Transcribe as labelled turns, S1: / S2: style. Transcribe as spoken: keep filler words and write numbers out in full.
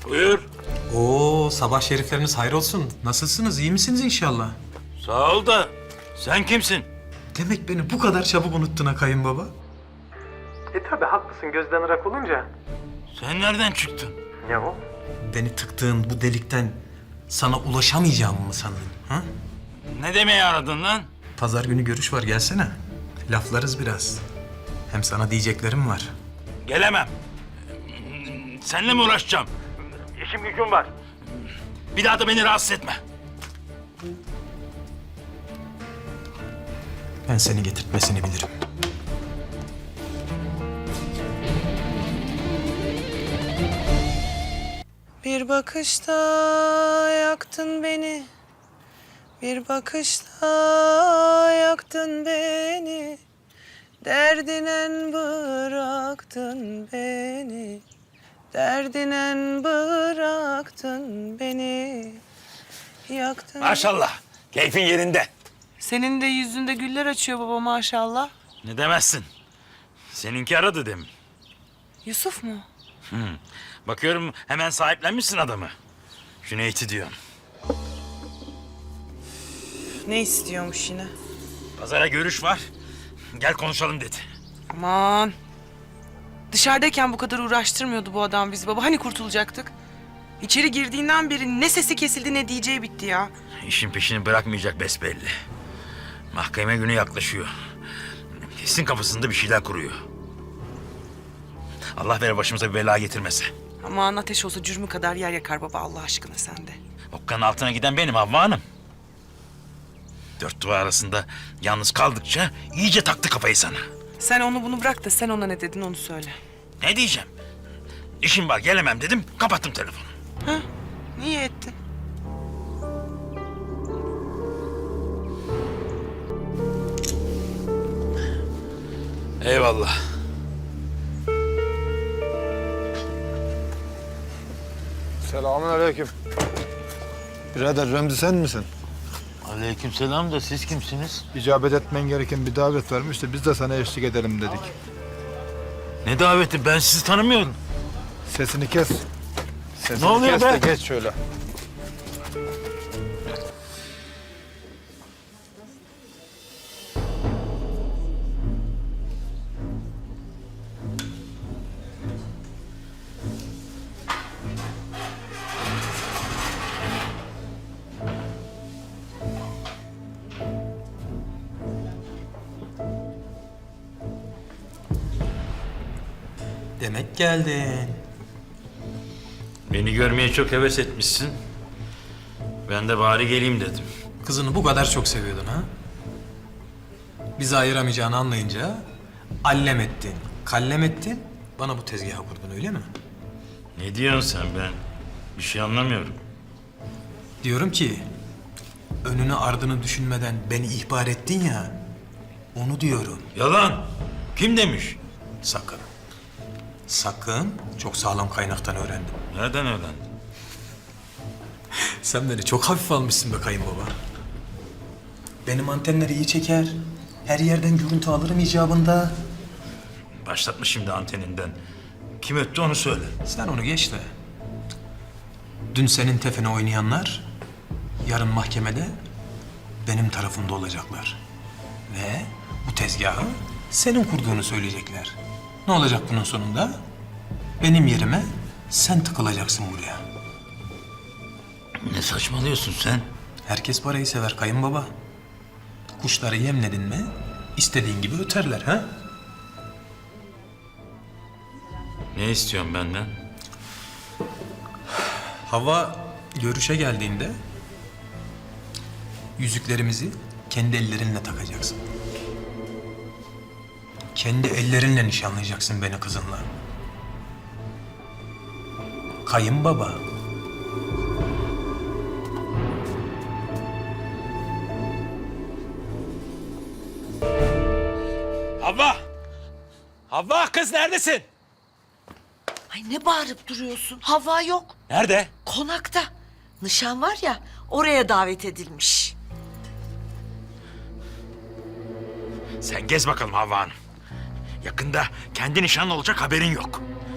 S1: Buyur.
S2: Oo, sabah şerifleriniz hayrolsun. Nasılsınız? İyi misiniz inşallah?
S1: Sağ ol da sen kimsin?
S2: Demek beni bu kadar çabuk unuttun ha kayınbaba. E tabi haklısın gözden ırak olunca.
S1: Sen nereden çıktın?
S2: Ne o? Beni tıktığın bu delikten sana ulaşamayacağımı mı sandın? Ha?
S1: Ne demeye aradın lan?
S2: Pazar günü görüş var, gelsene. Laflarız biraz. Hem sana diyeceklerim var.
S1: Gelemem. Seninle mi uğraşacağım? İşim gücüm var. Bir daha da beni rahatsız etme.
S2: Ben seni getirtmesini bilirim.
S3: Bir bakışta yaktın beni, bir bakışta yaktın beni, derdinen bıraktın beni, derdinen bıraktın beni, yaktın.
S1: Maşallah. Keyfin yerinde.
S3: Senin de yüzünde güller açıyor baba maşallah.
S1: Ne demezsin. Seninki aradı demin.
S3: Yusuf mu?
S1: Hı. Bakıyorum hemen sahiplenmişsin adamı. Cüneyt'i diyorum.
S3: Ne istiyormuş yine?
S1: Pazara görüş var. Gel konuşalım dedi.
S3: Aman. Dışarıdayken bu kadar uğraştırmıyordu bu adam bizi baba. Hani kurtulacaktık? İçeri girdiğinden beri ne sesi kesildi ne diyeceği bitti ya.
S1: İşin peşini bırakmayacak besbelli. Mahkeme günü yaklaşıyor. Kesin kafasında bir şeyler kuruyor. Allah ver başımıza bir bela getirmese.
S3: Aman ateş olsa cürmü kadar yer yakar baba Allah aşkına sen de.
S1: Okkanın altına giden benim Havva Hanım. Dört duvar arasında yalnız kaldıkça iyice taktı kafayı sana.
S3: Sen onu bunu bırak da sen ona ne dedin onu söyle.
S1: Ne diyeceğim? İşim var gelemem dedim kapattım telefonu.
S3: Ha? Niye ettin?
S1: Eyvallah.
S4: Selamünaleyküm. Birader Remzi sen misin?
S1: Aleykümselam da siz kimsiniz?
S4: İcabet etmen gereken bir davet varmış da biz de sana eşlik edelim dedik.
S1: Ne daveti ben sizi tanımıyorum.
S4: Sesini kes. Sesini
S1: Ne oluyor
S4: kes
S1: be?
S4: de geç şöyle.
S2: Demek geldin.
S1: Beni görmeye çok heves etmişsin. Ben de bari geleyim dedim.
S2: Kızını bu kadar çok seviyordun ha? Bizi ayıramayacağını anlayınca allem ettin, kallem ettin. Bana bu tezgahı kurdun öyle mi?
S1: Ne diyorsun sen ben? Bir şey anlamıyorum.
S2: Diyorum ki önünü ardını düşünmeden beni ihbar ettin ya. Onu diyorum.
S1: Yalan. Kim demiş?
S2: Sakın. Sakın çok sağlam kaynaktan öğrendim.
S1: Nereden öğrendin?
S2: Sen beni çok hafif almışsın be kayınbaba. Benim antenleri iyi çeker. Her yerden görüntü alırım icabında.
S1: Başlatma şimdi anteninden. Kim öttü onu söyle.
S2: Sen onu geç de. Dün senin tefene oynayanlar yarın mahkemede benim tarafımda olacaklar. Ve bu tezgahı senin kurduğunu söyleyecekler. Ne olacak bunun sonunda? Benim yerime sen tıkılacaksın buraya.
S1: Ne saçmalıyorsun sen?
S2: Herkes parayı sever kayınbaba. Kuşları yemledin mi istediğin gibi öterler ha?
S1: Ne istiyorsun benden?
S2: Hava görüşe geldiğinde yüzüklerimizi kendi ellerinle takacaksın. Kendi ellerinle nişanlayacaksın beni kızınla. Kayınbaba.
S1: Havva! Havva kız neredesin?
S5: Ay ne bağırıp duruyorsun? Hava yok.
S1: Nerede?
S5: Konakta. Nişan var ya oraya davet edilmiş.
S1: Sen gez bakalım Havva Hanım. Yakında kendi nişanlı olacak haberin yok.